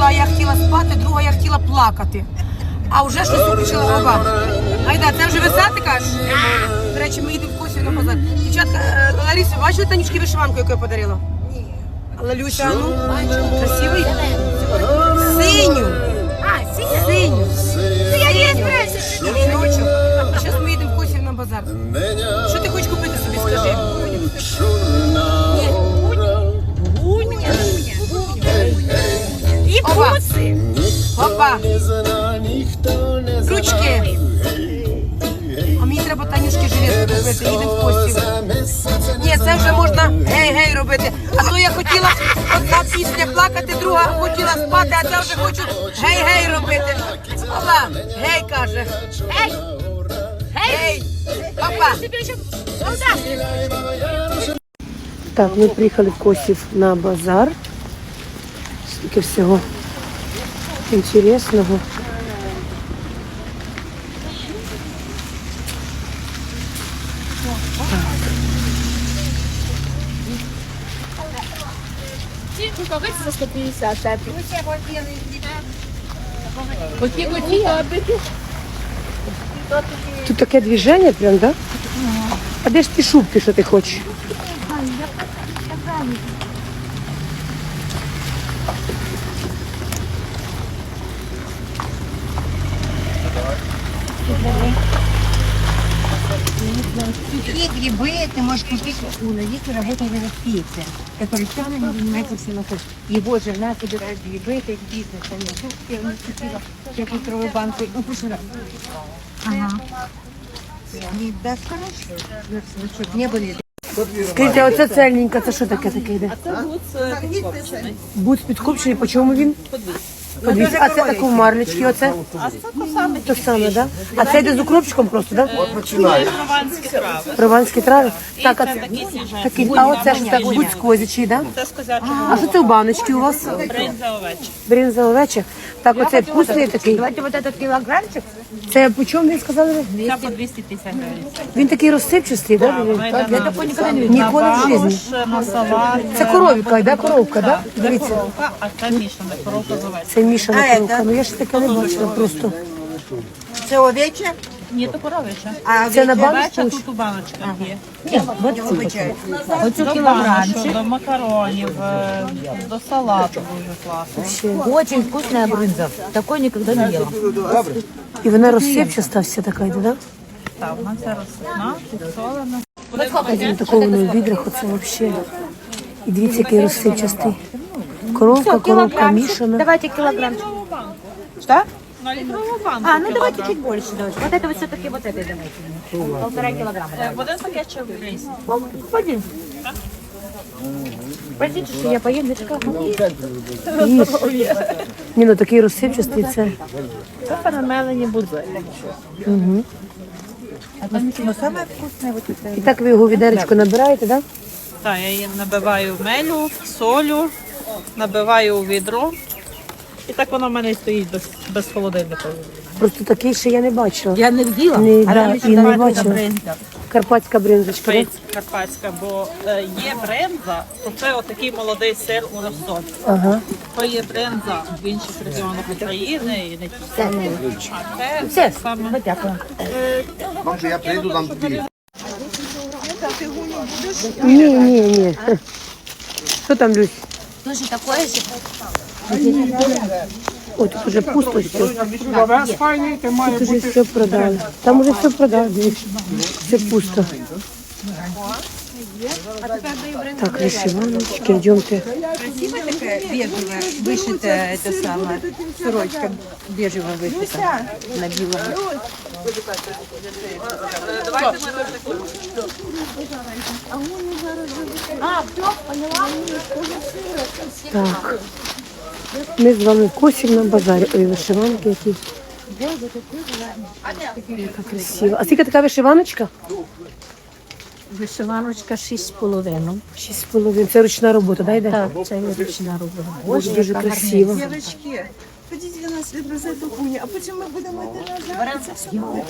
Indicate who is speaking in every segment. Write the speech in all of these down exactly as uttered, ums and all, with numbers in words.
Speaker 1: одна я хотіла спати, друга я хотіла плакати. А вже щось включила оба. Айда, це вже весати, кажеш? До речі, ми їдемо в Косів на базар. Дівчатка, Ларису, бачили Танюшки вишиванку, яку я подарила? Ні. Лалюся, ну, красивий? Синю.
Speaker 2: А, синя?
Speaker 1: Синю.
Speaker 2: Ну, я не збираюся.
Speaker 1: Віночок. А зараз ми їдемо в Косів на базар. Що ти хочеш купити собі, скажи?
Speaker 2: Ні, гуня. І буси.
Speaker 1: Опа. Ручки. А мені треба Танюшки жилетку купити, їдемо в Косів. Ні, це вже можна гей-гей робити. А то я хотіла одна пісня плакати, друга хотіла спати, а це вже хочу гей-гей робити. Опа, гей каже.
Speaker 2: Ей!
Speaker 1: Гей! Опа!
Speaker 2: Тобі ще солдат.
Speaker 1: Так, ми приїхали в Косів на базар. Стільки всього інтересного.
Speaker 2: Ці рукавиці за сто п'ятдесят, так. Оті оті аби.
Speaker 1: Тут таке движення прям, да? А де ж ті шубки, що ти хочеш?
Speaker 3: Какие грибы ты можешь купить у Ларисы, работает в пицце, который самым занимается всем. Его жена собирает грибы, это их бизнес. Они тут я не купила пятилитровую банку. Ну, прошлый раз. Ага. Не даст хорошо. Ну, что, не были.
Speaker 1: Скажіть, а оце цельненька, це що таке таке йде?
Speaker 4: Це буц підкопчений.
Speaker 1: Будь підкупчений, по чому він? По двісті. А це таке в марлечки, оце?
Speaker 4: А це то саме
Speaker 1: То саме, да? А це йде з укропчиком просто, да?
Speaker 4: прованські трави.
Speaker 1: Прованські трави? Так, а
Speaker 4: це
Speaker 1: це
Speaker 4: такі свіженькі.
Speaker 1: такий, а оце ж так будь сквозячий, да?
Speaker 4: Це з козячого
Speaker 1: А що це у баночці у вас?
Speaker 4: бринза овечі.
Speaker 1: Бринза овеча. Так, оце вкусний такий.
Speaker 3: Давайте вот этот килограммчик.
Speaker 1: Це по чому ви сказали?
Speaker 4: Це по двісті п'ятдесят гривень.
Speaker 1: Він такий розсипчастий, да?
Speaker 4: Я
Speaker 1: такого ніколи не Ніколи в житті.
Speaker 4: На салат.
Speaker 1: Це коровіка, да? Коровка, да? Дивіться.
Speaker 4: Коровка, а це мішана коровка з овечі.
Speaker 1: Це мішана коровка. Ну я ж таке не бачила просто.
Speaker 3: Це овече,
Speaker 4: Ні, то коровича.
Speaker 3: а
Speaker 1: Це на
Speaker 3: овече
Speaker 1: баночку?
Speaker 4: Овеча тут у баночках є.
Speaker 3: обичай.
Speaker 4: Оцю кілограмчик. До макаронів, е, до салату дуже класно.
Speaker 5: Очень вкусная брынза. Такой никогда не ела.
Speaker 1: І вона розсипчаста вся така йде, да?
Speaker 4: Так, вона ця розсипна, підсолена.
Speaker 1: На такому воно в відрах оце взагалі. І дивіться, який розсипчастий. Коровка, коровка мішана.
Speaker 5: Давайте килограммчик. Что?
Speaker 4: На літрову банку.
Speaker 5: А, ну давайте чуть больше. Давайте. Вот это вот все-таки вот этой давайте. Полтора килограмма.
Speaker 4: Е, Один пакет чи рис.
Speaker 5: Один. Простите, что я поем, дочка.
Speaker 1: Їж. Ні, ну такий розсипчастий це.
Speaker 4: Це перемелені будзи.
Speaker 1: Угу.
Speaker 3: Ну, самое вкусное вот это.
Speaker 1: І так ви його в відеречко набираєте, да?
Speaker 4: Так, я її набиваю в мелю, солю, набиваю у відро. І так воно в мене і стоїть без, без холодильника.
Speaker 1: Просто такий ще я не бачила.
Speaker 5: Я не видела.
Speaker 1: Не,
Speaker 5: а
Speaker 1: да,
Speaker 5: там
Speaker 1: і
Speaker 5: еще
Speaker 1: не
Speaker 5: давайте
Speaker 1: бачила.
Speaker 5: брынза.
Speaker 1: Карпатська бринзочка, да?
Speaker 4: Карпатська, бо е, є бренза, то це отакий молодий сир у розсолі.
Speaker 1: Ага.
Speaker 4: То є бренза в інших регіонах України і не тільки. А це
Speaker 5: Все,
Speaker 4: саме
Speaker 5: дякую.
Speaker 6: Може, я прийду там тобі.
Speaker 1: Ні, ні, ні. Що там, Люсь?
Speaker 5: Тоже такое же.
Speaker 1: О, тут уже пусто все. Тут уже все продали. Там уже все продали, дивіться. Все пусто. Так, вишиваночки, йдемте.
Speaker 3: Красивая такая бежевая, вышитая, это самое, сорочка бежевая вышита на белом.
Speaker 1: Так. Ми з вами в Косів на базарі. Ой, вишиванки які. Яка красива. А скільки така вишиваночка?
Speaker 5: Вишиваночка шість з половиною.
Speaker 1: Шість з половиною. Це ручна робота, да, йде?
Speaker 5: Так, це є ручна робота.
Speaker 1: Дуже, дуже красиво.
Speaker 7: Девочки, ходите на нас за эту хуйню, а потом мы будем это нажать.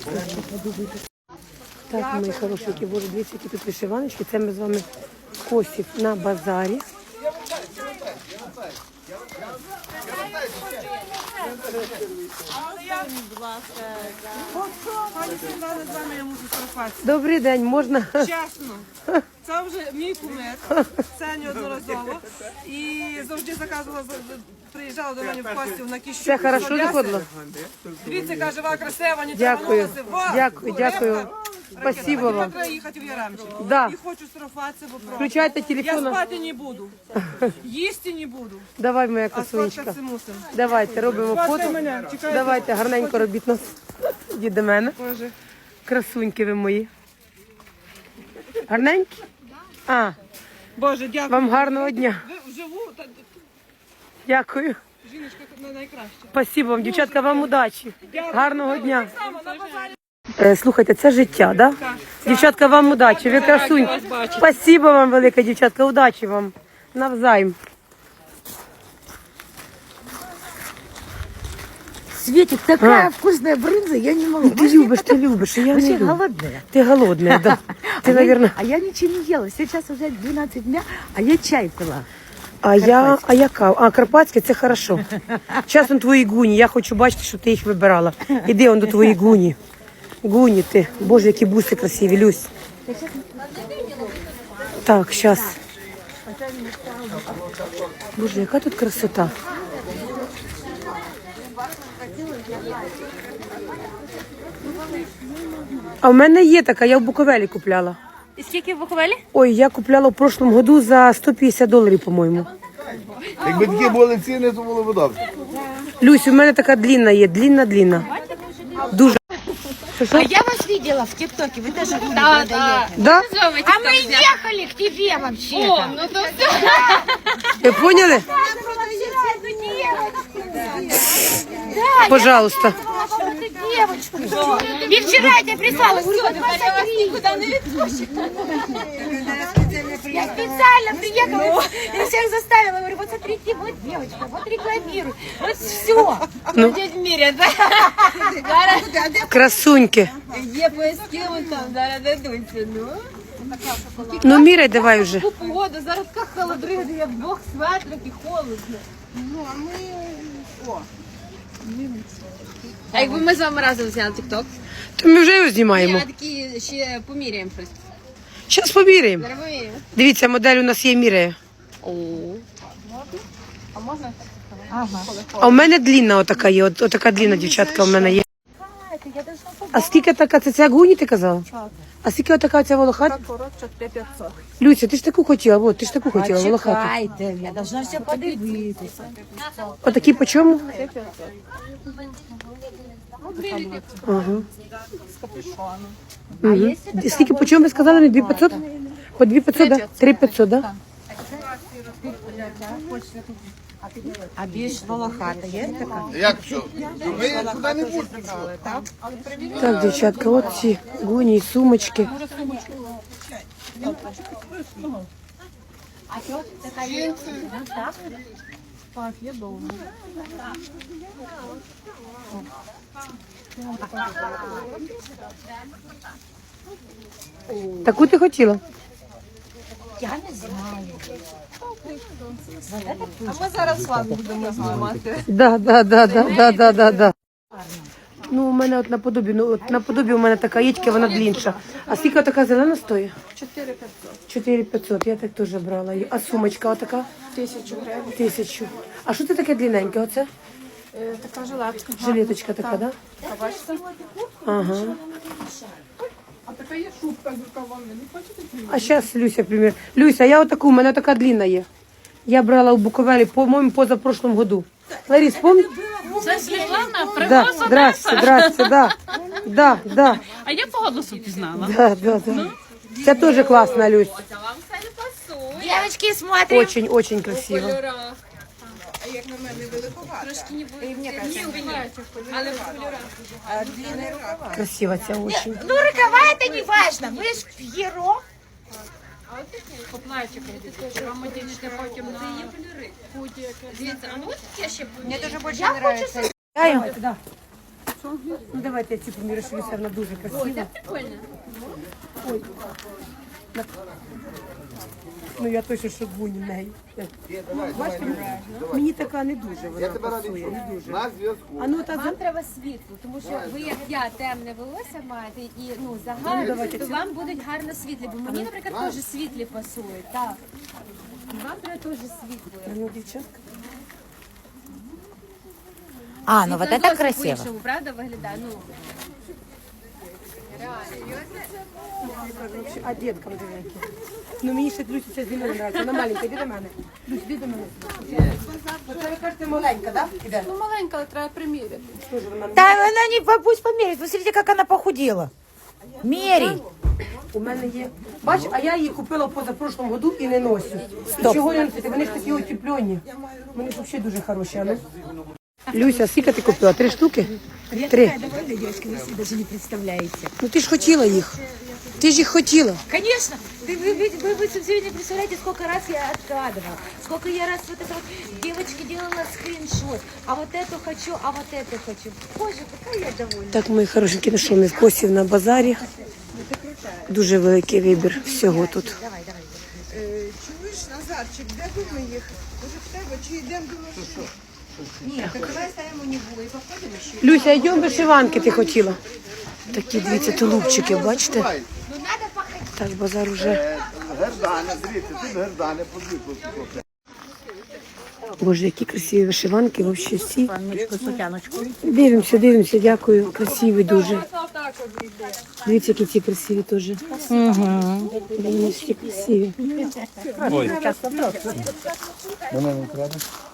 Speaker 1: Так, мої хорошенькі, боже, дивіться, які тут вишиваночки. Це ми з вами в Косів на базарі.
Speaker 7: Пані Світлана, з вами я можу сфотографуватися.
Speaker 1: Добрий день, можна?
Speaker 7: Чесно, це вже мій кумир, це неодноразово. І завжди заказувала, приїжджала до мене в гості на кіщу.
Speaker 1: Все хорошо заходило?
Speaker 7: Дивіться, каже, ва красива, не
Speaker 1: Дякую,
Speaker 7: тягнулася.
Speaker 1: дякую, дякую. Спасибо вам.
Speaker 7: Треба їхати в Яремчик.
Speaker 1: Да.
Speaker 7: І хочу сфотографуватися, бо просто.
Speaker 1: Включайте
Speaker 7: Я
Speaker 1: телефон.
Speaker 7: спати не буду, їсти не буду,
Speaker 1: Давай, моя
Speaker 7: а
Speaker 1: красунечка.
Speaker 7: сфоткатися мусимо.
Speaker 1: Давайте, робимо
Speaker 7: Сфоткай
Speaker 1: фото.
Speaker 7: мене, чекайте.
Speaker 1: Давайте, гарненько робіть нас. Ідіть до мене.
Speaker 7: Боже.
Speaker 1: Красуньки ви мої. Гарненькі? А,
Speaker 7: Боже, дякую.
Speaker 1: вам гарного дня.
Speaker 7: Ви вживу, та
Speaker 1: Дякую.
Speaker 7: жіночка тут найкраще.
Speaker 1: Спасибо вам, дівчатка, вам удачі. Гарного дня.
Speaker 7: Саме на базарі.
Speaker 1: Е, Слухайте, це життя, да? Дівчатка, вам удачі, ви красуньки. Спасибо вам велике, дівчатка, удачі вам. Навзаєм.
Speaker 8: Светик, такая вкусная брынза, я не могу.
Speaker 1: Ти любиш, ти любиш, і я не
Speaker 8: Вообще
Speaker 1: люблю.
Speaker 8: голодная.
Speaker 1: Ти голодна, да. Ти,
Speaker 8: а,
Speaker 1: наверное...
Speaker 8: я, а я ничего не ела. Сейчас уже двенадцать дня, а я чай пила.
Speaker 1: А я, а яка? А, карпатське, це хорошо. Зараз он твої гуні, я хочу бачити, що ти їх вибирала. Іди он до твої гуні. Гуні ти. Боже, які буси красиві, Люсь. Так, зараз. Боже, яка тут красота. А в мене є така, я в Буковелі купляла.
Speaker 2: І скільки в Буковелі?
Speaker 1: Ой, я купляла в прошлому году за сто п'ятдесят доларів, по-моєму.
Speaker 6: Якби такі були ціни, то було б добре.
Speaker 1: Люсь, у мене така длінна є, длінна-длінна. Дуже. Що, що?
Speaker 8: А я вас видела в ТикТоке, вы тоже гули продаете.
Speaker 1: Да?
Speaker 8: А мы ехали к тебе вообще-то.
Speaker 2: Ну то все.
Speaker 1: Ви поняли? Пожалуйста.
Speaker 8: Девочку. И вчера я тебе прислала. Все,
Speaker 2: Я вас нікуди не відпущу.
Speaker 8: я специально приехала и всех заставила. Говорю, вот смотрите, вот девочка, вот рекламируй. Вот все.
Speaker 1: Ну,
Speaker 2: Міряти.
Speaker 1: красуньки.
Speaker 2: Є пояскіли там, зараз дадуться, ну.
Speaker 1: Ну, міряй давай вже.
Speaker 2: Таку погоду, зараз така холодрига, я в двох светрах і холодно. А якби ми з вами разом взяли тік-ток?
Speaker 1: То ми вже його знімаємо.
Speaker 2: Я такі ще поміряємо щось.
Speaker 1: Зараз поміряємо.
Speaker 2: Зараз поміряємо.
Speaker 1: Дивіться, модель у нас є міряє.
Speaker 2: А можна?
Speaker 1: А у мене длінна отака є, от, отака длінна дівчатка у мене є. А скільки така, це, це як гуні ти казала? А скільки отака ця волохата?
Speaker 7: Коротше, п'ятсот.
Speaker 1: Люся, ти ж таку хотіла, от, ти ж таку хотіла, волохату.
Speaker 8: Чекайте, я должна все подивитися.
Speaker 1: Отакі по чому? Ага. Угу. Скільки по чому ви сказали? дві п'ятсот? По дві п'ятсот, да? три п'ятсот, да?
Speaker 3: А більш волохата є така?
Speaker 6: Як що? Ми куди не будемо.
Speaker 1: Так, дівчатка, от ці гуні і сумочки. Таку ти хотіла?
Speaker 8: Я не знаю.
Speaker 7: А ми зараз з вами будемо знімати.
Speaker 1: Да, да, да, да, да, да, да, да. Ну, у мене от наподобі, ну от наподобі у мене така єтька, вона длінша. А скільки така зелена стоїть?
Speaker 7: чотири п'ятсот.
Speaker 1: чотири п'ятсот, я так теж брала її. А сумочка отака?
Speaker 7: Тисячу гривень.
Speaker 1: Тисячу. А що це таке длинненьке оце?
Speaker 7: Е, Така жилетка.
Speaker 1: Жилеточка така, да?
Speaker 7: А бачите?
Speaker 1: Ага.
Speaker 7: А така є шубка з рукавами. Не хочете?
Speaker 1: А зараз Люся, примір. Люся, я отаку, у мене така длинна є. Я брала у Буковелі, по-моєму, позапрошлому году. Ларіс, помни?
Speaker 2: Це Світлана,
Speaker 1: Да, здрасте, здрасте, да. Да, да,
Speaker 2: А я по голосу пізнала.
Speaker 1: да, да, да. Це теж класна, Люсь.
Speaker 2: Це вам все не пасує.
Speaker 8: Девочки, смотрим.
Speaker 1: Очень, очень красиво.
Speaker 2: Трошки не буде. Але в кольорах.
Speaker 1: Красиво ця очень.
Speaker 8: Ну, рукава это не важно. Вы ж пьеро.
Speaker 2: Поплачика, романтичне потім на худі. Дивіться, а ну ось таке ще
Speaker 3: Мені дуже більше подобається.
Speaker 1: Дай, да. Ну давайте я цю помірю, що Люся, вона дуже красива.
Speaker 2: прикольно.
Speaker 1: Ну я точно що буні неї. Бачите, мені така не дуже вона
Speaker 6: Я тебе радий
Speaker 1: пасує,
Speaker 6: чути.
Speaker 1: не дуже.
Speaker 6: На зв'язку.
Speaker 1: А ну та
Speaker 8: Вам треба світло, тому що ви, як я, темне волосся маєте і ну загальне, то вам будуть гарно світлі. Бо мені, наприклад, теж світлі пасують. Так. І вам треба теж світло.
Speaker 1: ну, дівчатка.
Speaker 5: А, ну вот
Speaker 8: Це
Speaker 5: это
Speaker 8: зовсім
Speaker 5: красиво.
Speaker 8: по-іншому, правда, виглядає? Ну,
Speaker 1: А дітка маленька. Ну мені ще Люся ця зимою нравиться. Вона маленька, іди до мене. Люсь, іди до мене. Оце ви кажете маленька, так? Іде.
Speaker 7: Ну, маленька, але треба приміряти.
Speaker 5: Да она не, по- пусть померит. Вы смотрите, как она похудела. Мерей.
Speaker 1: У мене є. Бач, а я її купила в позапрошлому году і не ношу. І чого не носити? Вони ж такі утеплені. Вони ж взагалі дуже хороші. А ну. Люся, скільки ти купила? Три штуки? Три.
Speaker 3: Даже не представляете.
Speaker 1: Ну ти ж хотіла їх. Ти ж їх хотіла.
Speaker 3: Конечно. Ты, вы, вы, вы, вы все не представляете, сколько раз я откладывала. Сколько я раз вот это вот девочке делала скриншот. А вот эту хочу, а вот эту хочу. Боже, какая я довольна.
Speaker 1: Так, мої хорошенькі, ну що, ми в Косів на базарі. Дуже великий вибір всього тут.
Speaker 7: Чуєш, Назарчик, де думи їх? Може в тебе, чи йдемо до що?
Speaker 3: Нет, так давай ставим у него и походим еще.
Speaker 1: Люся, йдемо вишиванки ти хотіла. Такі, дивіться, тулупчики, бачите? Так, базар уже.
Speaker 6: Е, Гердани, дивіться, тут гердани, подивіться.
Speaker 1: Боже, які красиві вишиванки, взагалі всі.
Speaker 5: Панночку, сутяночку.
Speaker 1: Дивимося, дивимося, дякую. Красиві дуже. Дивіться, які ці красиві теж. Угу. Вони всі красиві.
Speaker 6: Мене не треба.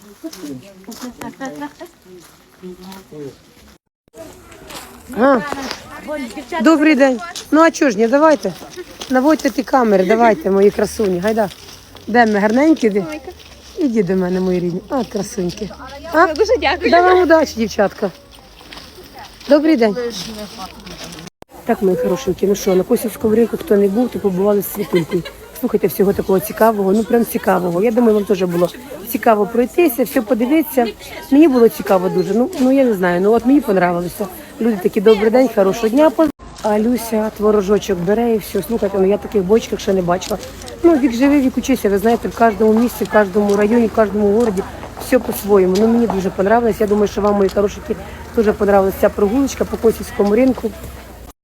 Speaker 1: А, добрий день. Ну а чого ж ні, давайте. Наводьте ті камери, давайте, мої красуні. Гайда. Де ми, гарненькі? Де? Іди до мене, мої рідні. А, красуньки. А? Дуже дякую. Да вам удачі, дівчатка. Добрий день. Так, мої хорошенькі, ну що, на Косівському ринку, хто не був, то побували з Світулькою. Слухайте, всього такого цікавого, ну прям цікавого. Я думаю, вам теж було цікаво пройтися, все подивитися. Мені було цікаво дуже, ну, ну я не знаю, ну от мені понравилося. Люди такі, добрий день, хорошого дня. А Люся творожочок бере і все. Слухайте, ну я таких бочках ще не бачила. Ну, вік живий, вік учися, ви знаєте, в кожному місці, в кожному районі, в кожному городі все по-своєму. Ну, мені дуже понравилось. Я думаю, що вам, мої хорошенькі, дуже понравилася ця прогулочка по Косівському ринку.